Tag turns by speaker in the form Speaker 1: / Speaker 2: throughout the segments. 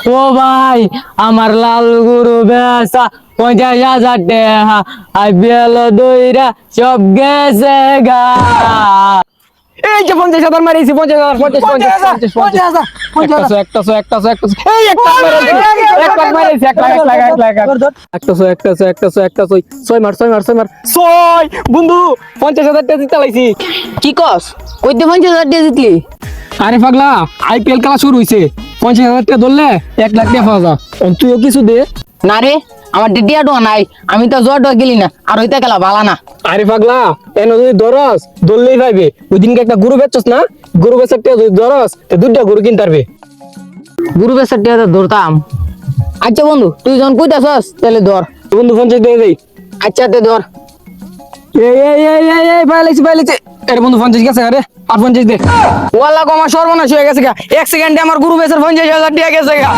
Speaker 1: ও ভাই আমার লাল গরু বেচা 50,000 টাকা আইপিএল দইরা সব গেছে গা। এই যে 50,000 মারিছি 50,000 50,000 এই একটা মারিছি 1 লাখ ছয় মার ছয় বন্ধু 50,000 টাকা জিতে লাইছি।
Speaker 2: কি কস কইতে 50,000 টাকা জিতলি?
Speaker 1: আরে পাগলা আইপিএল খেলা শুরু হইছে 50,000 টাকা ধরলে 1 লাখ টাকা পাওয়া যায়। তুইও কিছু দে।
Speaker 2: না রে আমার ডিডিয়াটো নাই, আমি তো জোর গেলি না আর হইতে গেলা বালা না।
Speaker 1: আরে পাগলা এন যদি ধরস ধরলেই পাইবে। ওই দিনকে একটা গরু বেচছস না, গরু বেচার টাকা যদি ধরস তো 2টা গরু কিনতে পারবে।
Speaker 2: গুরু বেসার টাকা ধরতাম। আচ্ছা বন্ধু তুই যখন কইতাছস তাহলে ধর।
Speaker 1: বন্ধু 50 দিয়ে দেই।
Speaker 2: আচ্ছা তে ধর।
Speaker 1: এই পাইলেছি আরে বন্ধু 50 গেছে। আরে আর 50 দে।
Speaker 2: ওয়াল্লাহ গো আমার সর্বনাশ হয়ে গেছে গা, 1 সেকেন্ডে আমার গুরু বেসার 50,000 টাকা গেছে গা।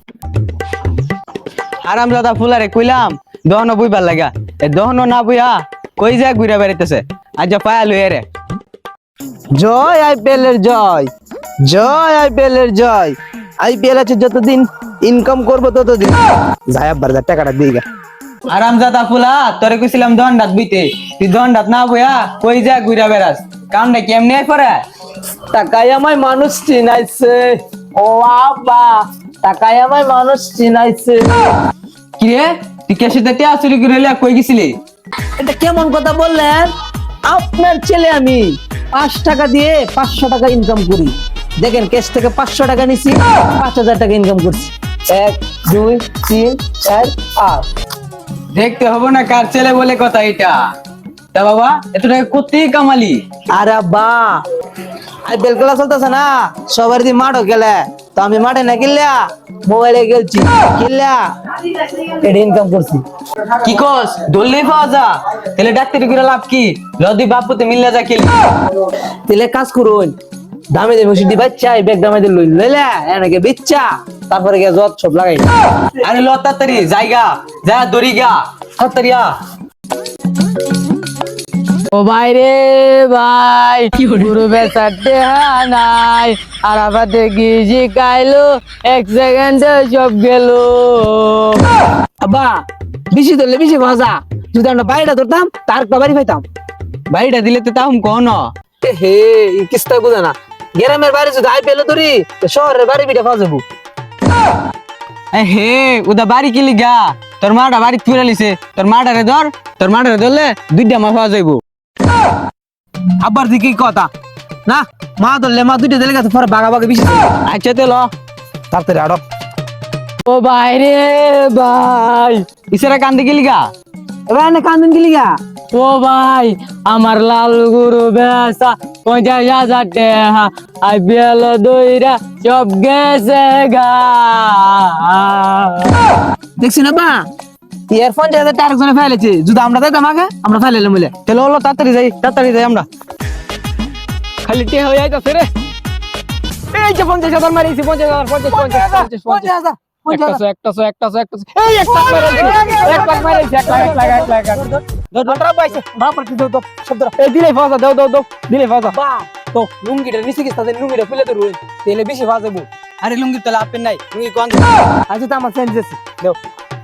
Speaker 3: আরামদাদা ফুলারে কইলাম দহন বইবার লাগা, এ দহন না বইয়া কই যায় ঘুরে বেড়াইতেছে। আজ পায়া লইয়া রে। জয় আইপিএল এর জয়, জয় আইপিএল এর জয়। আইপিএল আছে যতদিন ইনকাম করবো ততদিন যাই আব্বার টাকাটা দিই গা। আরামদাদা ফুলা তোরে কইছিলাম দহনডাত বইতে, তুই দহনডাত না বইয়া কই যায় ঘুরে বেড়াস। কামটা কেমনে পরে
Speaker 2: টাকায় আমায় মানুষ চিনাইছে, ও আব্বা টাকায় আমায় মানুষ চিনাইছে।
Speaker 3: কিরে তুই কেসে তে চুরি করে লিয়া কই গেছিলি?
Speaker 2: এটা কেমন কথা বললেন? আপনার ছেলে আমি 5 টাকা দিয়ে 500 টাকা ইনকাম করি। দেখেন কেস থেকে 500 টাকা নিছি, 5,000 টাকা ইনকাম করছি। 1 2 3 4 5।
Speaker 3: দেখতে হবো না কার ছেলে বলে কথা এটা। তা বাবা এত টাকা কোথায় কামালি?
Speaker 2: আরে বা আইপিএল খেলা চলতেছে না, সবার দিন মাঠও খেলে, তো আমি মাঠে না খেললা মোবাইলে খেলছি, খেললা এটা ইনকাম করছি।
Speaker 3: কি কস দললেই পাওয়া যা? তাহলে ডাক্তারি করে লাভ কি? লদি বাপুতে মিললে যা খেলি।
Speaker 2: তেলে কাজ করুন, দামে দামে ওষুধ বাচ্চা ব্যাগ দামে দিয়ে লইলা এনেকে বেচ্চা তারপরে গিয়ে যত সব লাগাই।
Speaker 3: আরে ল তাড়াতাড়ি জায়গা যা দড়ি গা তাড়াতাড়ি আ।
Speaker 1: ও ভাই রে ভাই গরু বেচার টাকা নাই আর আবার দেখি শিখাইলো 1 সেকেন্ডে সব গেল।
Speaker 2: আব্বা বেশি ধরলে বেশি মজা, যদি আমরা বাড়িটা ধরতাম তার একটা বাড়ি পাইতাম।
Speaker 3: বাড়িটা দিলে তো তাহম কন।
Speaker 2: হে এই কিস্তা বুঝা না, গ্রামের বাড়ি যদি আইপিএল ধরি তো শহরের বাড়ি বিটা পাওয়া যাবো।
Speaker 3: হে উদা বাড়ি কিলি গা, তোর মাটা বাড়ি ফিরে লিছে, তোর মাটারে ধর, তোর মাটারে ধরলে 2টা মা পাওয়া যাইবো।
Speaker 2: আব্বার দিকে কথা না, মা ধরলে মা 2টা দিলে গেছে পরে বাঘা বাঘা বেশি।
Speaker 3: আচ্ছা তে ল
Speaker 2: তাড়াতাড়ি আড়ক।
Speaker 1: ও ভাই রে ভাই
Speaker 3: ইসারা কান্দে গেলি গা।
Speaker 2: এবার এনে কান্দন গেলি গা।
Speaker 1: ও ভাই আমার লাল গরু বেচা 50,000 টাকা আইপিএল দইরা সব গেছে গা।
Speaker 2: দেখছি না বা ইয়ারফোন যে আরেকজনে ফেলেছে, যদি আমরা যাইতাম আগে আমরা ফেলাইলাম বলে।
Speaker 3: তাহলে হলো তাড়াতাড়ি যাই আমরা।
Speaker 1: খালি তে হয়ে যাইতাছে রে। এই যে 50,000 মারিছি 50,000 50,000 এই 1 লাখ মারিছি 1 লাখ এই দিলে ফাজা দাও দিলে ফাজা
Speaker 2: বা তো লুঙ্গিটা নিচে গেছে, তাদের লুঙ্গিটা খুলে তো রইল তেলে বেশি বাজাবো।
Speaker 3: আরে লুঙ্গি তাহলে আপেন নাই লুঙ্গি কোন?
Speaker 2: আচ্ছা তো আমার চেঞ্জ আছে দাও।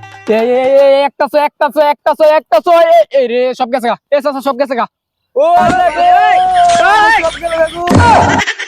Speaker 1: একটা এই রে সব গেছে গা। সব গেছে গা।
Speaker 2: ও